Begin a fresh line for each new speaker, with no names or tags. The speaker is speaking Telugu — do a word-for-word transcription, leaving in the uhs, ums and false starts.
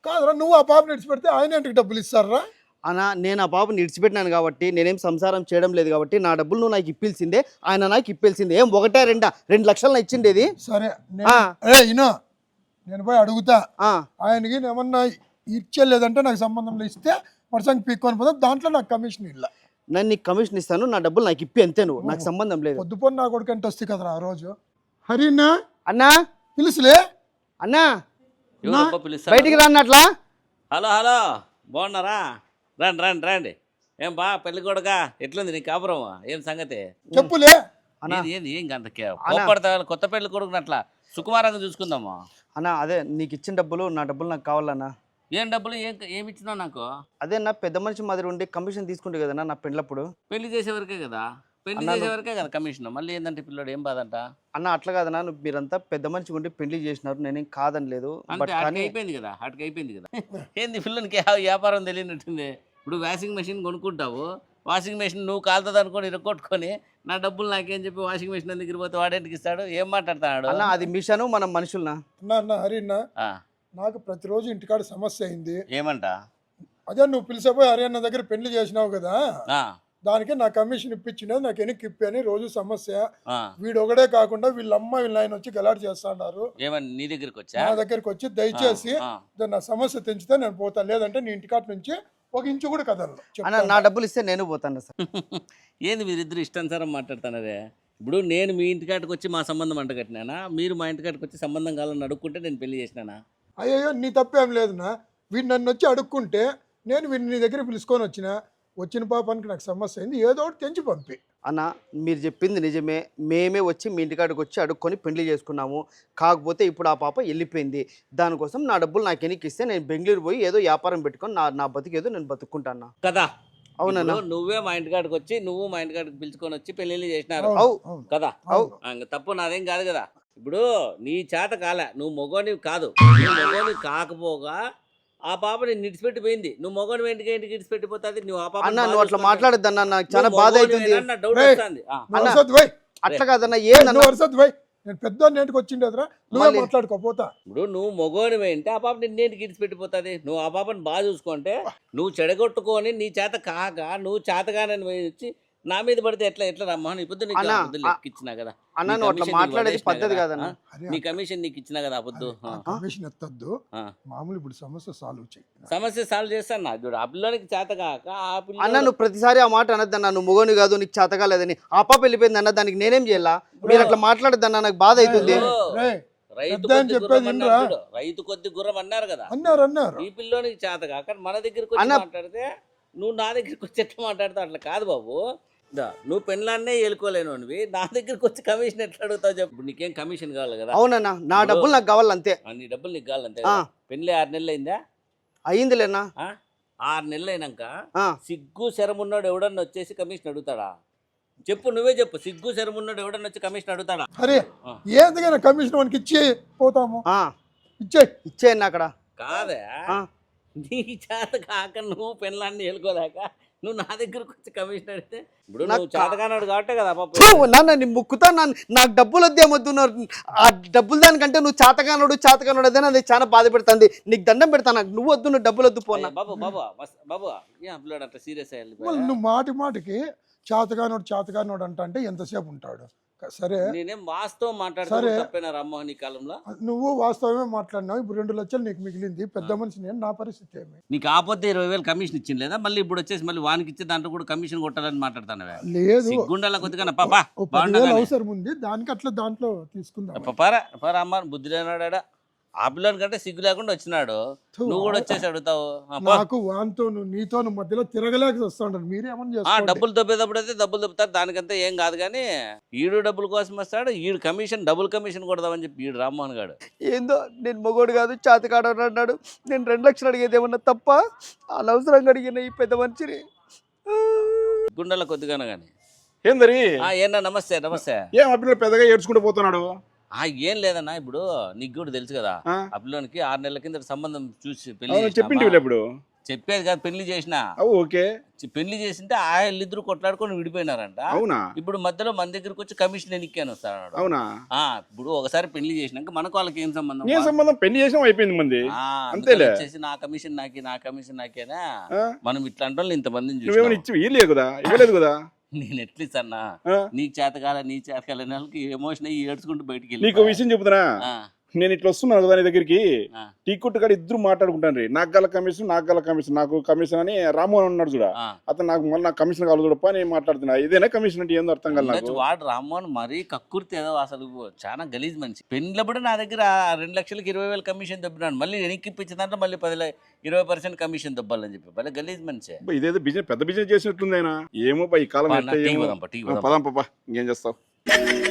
కాదురా నువ్వు ఆ పాపని విడిచిపెడితే ఆయన ఇంటికి డబ్బులు ఇస్తారా?
అన్న నేను ఆ బాబుని విడిచిపెట్టినాను కాబట్టి, నేనేం సంసారం చేయడం లేదు కాబట్టి నా డబ్బులు నువ్వు నాకు ఇప్పిల్సిందే, ఆయన నాకు ఇప్పిల్సిందే. ఏం ఒకటే రెండా? రెండు లక్షలు ఇచ్చిండేది.
సరే ఇనో నేను పోయి అడుగుతా ఆయనకి ఏమన్నా ఇచ్చేలేదంటే నాకు సంబంధంలో ఇస్తే వర్షానికి పీక్కొని పోతాం, దాంట్లో నాకు కమిషన్ ఇల్ల.
నేను నీకు కమిషన్ ఇస్తాను, నా డబ్బులు నాకు ఇప్పి అంతే, నువ్వు నాకు సంబంధం లేదు.
పొద్దుపొన్న నా కొడుకు అంటే వస్తే కదరా ఆ రోజు. హరినా
అన్నా
పిలుసులే
అన్నా బయటికి రాన్నట్లా.
హలో హలో బాగున్నారా? రండి రండి రండి. ఏం బా పెళ్లి కొడుక ఎట్లుంది నీ కాపురం? ఏం సంగతి
చెప్పులే.
ఏంది ఏం అంత కోపడతా? కొత్త పెళ్లి కొడుకుని అట్లా సుకుమారంగా చూసుకుందాము
అన్నా. అదే నీకు ఇచ్చిన డబ్బులు, నా డబ్బులు నాకు కావాలన్నా.
ఏం డబ్బులు? ఏం ఏమి ఇచ్చినావు నాకు?
అదే నా పెద్ద మనిషి మాదిరి ఉండి కమిషన్ తీసుకుంటే కదన్నా నా పెళ్ళప్పుడు.
పెళ్లి చేసేవరకే కదా, పెళ్లి చేసేవరకే కదా కమిషన్. మళ్ళీ ఏంటంటే పిల్లడు ఏం బాధంట
అన్న? అట్లా కాదన్నా, నువ్వు మీరంతా పెద్ద మనిషి ఉండి పెళ్లి చేసినారు, నేనేం కాదని లేదు.
అయిపోయింది కదా, అటుకు అయిపోయింది కదా. ఏంది పిల్లలకి వ్యాపారం తెలియనట్టుంది. ఇప్పుడు వాషింగ్ మెషిన్ కొనుక్కుంటావు, వాషింగ్ మెషిన్ నువ్వు కాలుతుంది అనుకొని ఇరగొట్టుకొని నా డబ్బులు నాకేం చెప్పి వాషింగ్ మెషిన్ దగ్గర పోతే వాడేంటికి ఇస్తాడు? ఏం మాట్లాడతాడు
అన్న? అది మిషను, మనం మనుషులనా?
అన్న హరినా నాకు ప్రతిరోజు ఇంటికాడ సమస్య అయింది.
ఏమంట?
అదే నువ్వు పిలిచిపోయి హరియన్న దగ్గర పెళ్లి చేసినావు కదా, దానికి నా కమిషన్ ఇప్పించినది నాకు ఎనికి ఇప్పి అని రోజు సమస్య. వీడు ఒకడే కాకుండా వీళ్ళమ్మ వీళ్ళ ఆయన వచ్చి గలాట్ చేస్తాడారు.
నీ దగ్గరికి వచ్చి
నా దగ్గరికి వచ్చి దయచేసి నా సమస్య తెంచితే నేను పోతాను, లేదంటే నీ ఇంటికాట నుంచి ఒక ఇంచు కూడా కదలను.
నా డబ్బులు ఇస్తే నేను పోతాను సార్.
ఏంది మీరిద్దరు ఇష్టానుసారం మాట్లాడుతున్నారే? ఇప్పుడు నేను మీ ఇంటికాటికి వచ్చి మా సంబంధం అంటగట్టినానా? మీరు మా ఇంటికాటికి వచ్చి సంబంధం కావాలని అడుక్కుంటే నేను పెళ్లి చేసినానా?
అయ్యో నీ తప్పేం లేదునా. వీడు నన్ను వచ్చి అడుక్కుంటే నేను వీడిని నీ దగ్గర పిలుచుకొని వచ్చిన వచ్చిన పాపానికి నాకు సమస్య అయింది, ఏదో ఒకటి తెంచి పంపి.
అన్న మీరు చెప్పింది నిజమే, మేమే వచ్చి మీ ఇంటికాడికి వచ్చి అడుక్కొని పెళ్లి చేసుకున్నాము. కాకపోతే ఇప్పుడు ఆ పాప వెళ్ళిపోయింది, దానికోసం నా డబ్బులు నాకు ఎనికి ఇస్తే నేను బెంగళూరు పోయి ఏదో వ్యాపారం పెట్టుకొని నా నా బతికేదో నేను బతుక్కుంటాను
కదా.
అవునన్నా,
నువ్వే మా ఇంటికాడికి వచ్చి నువ్వు మా ఇంటికాడికి పిలుచుకొని వచ్చి పెళ్లి చేసినారు కదా. తప్పు నాదేం కాదు కదా. ఇప్పుడు నీ చేత కాలే, నువ్వు మొగోనివి కాదు, మొగోని కాకపోగా ఆ పాప నేను నిడిచిపెట్టిపోయింది. నువ్వు మొగోని ఇంటికి ఇంటికి ఇడిచిపెట్టిపోతుంది. నువ్వు ఆ పాప
నువ్వు అట్లా మాట్లాడద్దు అన్న, నాకు చాలా బాధ అవుతుంది.
డౌట్ వస్తుంది.
అట్లా కాదన్నా, ఏదన్నా
నేను పెద్ద ఇంటికి వచ్చిండేదిరా, నువ్వే మాట్లాడుకోపోతా.
ఇప్పుడు నువ్వు మొగోని అంటే ఆ పాప నిన్నేంటికి ఇడిచిపెట్టిపోతుంది. నువ్వు ఆ పాపని బాగా చూసుకుంటే, నువ్వు చెడగొట్టుకొని నీ చేత కాక నువ్వు చేతగానని వచ్చి నా మీద పడితే ఎట్లా ఎట్లా రమ్మా? నీ పొద్దు నీకు ఇచ్చినా కదా,
మాట్లాడేది పద్ధతి కాదన్నా.
నీ కమిషన్ నీకు ఇచ్చినా కదా. పొద్దు
కమిషన్ ఎత్తద్దు, మామూలు ఇప్పుడు సమస్య సాల్వ్ చేయి.
సమస్య సాల్వ్ చేస్తాను నా చూడు. ఆ పిల్లలకి చేత కాక ఆ పిల్ల
అన్న నువ్వు ప్రతిసారి ఆ మాట అనద్దన్నా, నువ్వు మొగోని కాదు నీకు చేత కాలేదని. ఆ పాప వెళ్ళిపోయింది అన్న, దానికి నేనేం చేయాలా? మీరు అట్లా మాట్లాడద్దన్నా, నాకు బాధ అవుతుంది.
రైతు కొద్ది గుర్రం అన్నారు, రైతు కొద్ది గుర్రం అన్నారు కదా.
అన్నారు అన్నారు
ఈ పిల్లోనికి చేత కాక మన దగ్గరికి వచ్చి మాట్లాడితే నువ్వు నా దగ్గరికి వచ్చి ఎట్లా మాట్లాడతావు? అట్లా కాదు బాబు. నువ్వు పెళ్ళాన్నే ఏలుకోలేను, నా దగ్గరికి వచ్చి కమిషన్ ఎట్లా అడుగుతావు చెప్పు? నీకేం కమిషన్ కావాలి కదా?
అవునన్నా, నా డబ్బులు నాకు కావాలంతే.
నీ డబ్బులు నీకు కావాలంతే. పెళ్ళి ఆరు నెలలు అయిందా?
అయిందిలేనా.
ఆరు నెలలు అయినాక సిగ్గు శరం ఉన్నాడు ఎవడన్నా వచ్చేసి కమిషన్ అడుగుతాడా చెప్పు? నువ్వే చెప్పు. సిగ్గు శరం ఉన్నాడు ఎవడన్నా వచ్చి కమిషన్ అడుగుతాడా?
అరే ఏదైనా కమిషన్ మనకి ఇచ్చి పోతాము.
ఇచ్చే ఇచ్చేయండి అక్కడ.
కాదా నీ చేత కాక నువ్వు పెళ్ళాన్ని ఏలుకోలేక నువ్వు నా దగ్గరకు వచ్చి కమిషన్ అడిగితే ఇప్పుడు నువ్వు చేతగానాడు కాబట్టే కదా పాప.
నాన్న నీ ముక్కుతా నాకు డబ్బులు వద్దేమొద్దున్నారు. ఆ డబ్బులు దానికంటే నువ్వు చేతగానోడు చేతగానోడు అదే అది చాలా బాధ పెడుతుంది. నీకు దండం పెడతా, నాకు నువ్వు వద్దు, నువ్వు డబ్బులు వద్దు పోనా.
బాబు బాబు బాబు ఏం పిల్లాడు అట్లా సీరియస్ అయ్యాలి?
నువ్వు మాటి మాటికి చేతగానోడు చేతగానోడు అంట అంటే ఎంతసేపు ఉంటాడు? సరే
నేనేం వాస్తవం మాట్లాడుతున్నా రామ్మోహన్ ఈ కాలంలో.
నువ్వు వాస్తవమే మాట్లాడినావు. ఇప్పుడు రెండు లక్షలు నీకు మిగిలింది, పెద్ద మనిషి నేను, నా పరిస్థితి ఏమి?
నీకు ఆపోతే ఇరవై వేలు కమిషన్ ఇచ్చింది లేదా? మళ్ళీ ఇప్పుడు వచ్చేసి మళ్ళీ వానికి ఇచ్చే దాంట్లో కూడా కమిషన్ కొట్టాలని మాట్లాడతాను.
లేదు
గుండెల కొద్దిగా
అవసరం ఉంది దానికి, అట్లా దాంట్లో తీసుకుందాం.
పారా పారా అమ్మ బుద్ధి లేనాడా? ఆ పిల్లల కంటే సిగ్గు లేకుండా వచ్చినాడు, నువ్వు కూడా వచ్చేసి అడుగుతావు.
నాకు వాంతో నీతో మధ్యలో తిరగలేక వస్తాడు. మీరేమన్నా
డబ్బులు దొబ్బేటప్పుడు అయితే డబ్బులు దొబ్బుతారు, దానికంతా ఏం కాదు. కానీ ఈడు డబ్బుల కోసం వస్తాడు, ఈడు కమిషన్ డబుల్ కమిషన్ కొడదామని చెప్పి ఈడు రామ్మోహన్ గారు.
ఏందో నేను మొగోడు కాదు చేతకాడు అన్నాడు. నేను రెండు లక్షలు అడిగేది ఏమన్నా తప్ప? అనవసరంగా అడిగిన ఈ పెద్ద మనిషిని.
గుండెల కొద్దిగానే కానీ
ఏందరి
ఏనా? నమస్తే నమస్తే.
ఏం ఆ పిల్లలు పెద్దగా ఏడ్చుకుంటూ పోతున్నాడు?
ఏం లేదన్నా, ఇప్పుడు నీకు కూడా తెలుసు కదా, ఆ పిల్లోనికి ఆరు నెలల కింద సంబంధం చూసి పెళ్లి
చెప్పింటి ఇప్పుడు
చెప్పేది కాదు, పెళ్లి చేసిన
అవు ఓకే.
పెళ్లి చేసింటే ఆ వీళ్ళిద్దరు కొట్లాడుకొని విడిపోయినారంట.
అవునా?
ఇప్పుడు మధ్యలో మన దగ్గరకు వచ్చి కమిషన్ ఎన్నికాని వస్తాడు.
అవునా?
ఆ ఇప్పుడు ఒకసారి పెళ్లి చేసినాక మనకు వాళ్ళకి ఏం సంబంధం?
ఏం సంబంధం? పెళ్లి చేసిన అయిపోయింది మంది.
ఆ,
అంతేలే.
వచ్చేసి నా కమిషన్ నాకి నా కమిషన్ నాకేనా?
ఆ?
మనం ఇట్లాంటి వాళ్ళు ఇంతమందిని
నువ్వేమైనా
చూసి
ఇచ్చి ఇవ్వలేదు కదా, ఇవ్వలేదు కదా.
నేను ఎట్లీస్ అన్నా
ఆ?
నీకు చేతకాల నీ చేతకాల వాళ్ళకి ఎమోషన్ అయ్యి ఏడ్చుకుంటూ బయటికి
నీకు
వెళ్ళి
విషయం చెబుతున్నా, నేను ఇట్లా వస్తున్నాను కదా నీ దగ్గరికి, టీ కొట్టు కాడ ఇద్దరు మాట్లాడుకుంటాను రీ, నాకు గల కమిషన్ నాకు గల కమిషన్ నాకు కమిషన్ అని రామ్మోహన్ ఉన్నాడు చూడ, అతను నాకు మళ్ళీ నాకు కమిషన్ కావాలి చూడప్ప నేను మాట్లాడుతున్నా. ఇదేనా కమిషన్ అంటే ఏందో అర్థం కాదు నాకు.
వాడు రామ్మోహన్ మరీ కక్కుర్తి ఏదో అసలు చాలా గలీజ్ మనిషి. పెళ్ళప్పుడు నా దగ్గర రెండు లక్షలకి ఇరవై వేలు కమిషన్ దొబ్బినాడు, మళ్ళీ వెనక్కి ఇప్పించిందంటే మళ్ళీ పది ఇరవై పర్సెంట్ కమిషన్ దొబ్బాలని చెప్పి భలే గలీజ్ మనిషి.
ఇదేదో బిజినెస్ పెద్ద బిజినెస్ చేసినట్టుంది ఆయన. ఏమో బా ఈ కాలం
టీ వదాం, టీ వదాం.
పదాం పాపా, ఇంకేం చేస్తావు.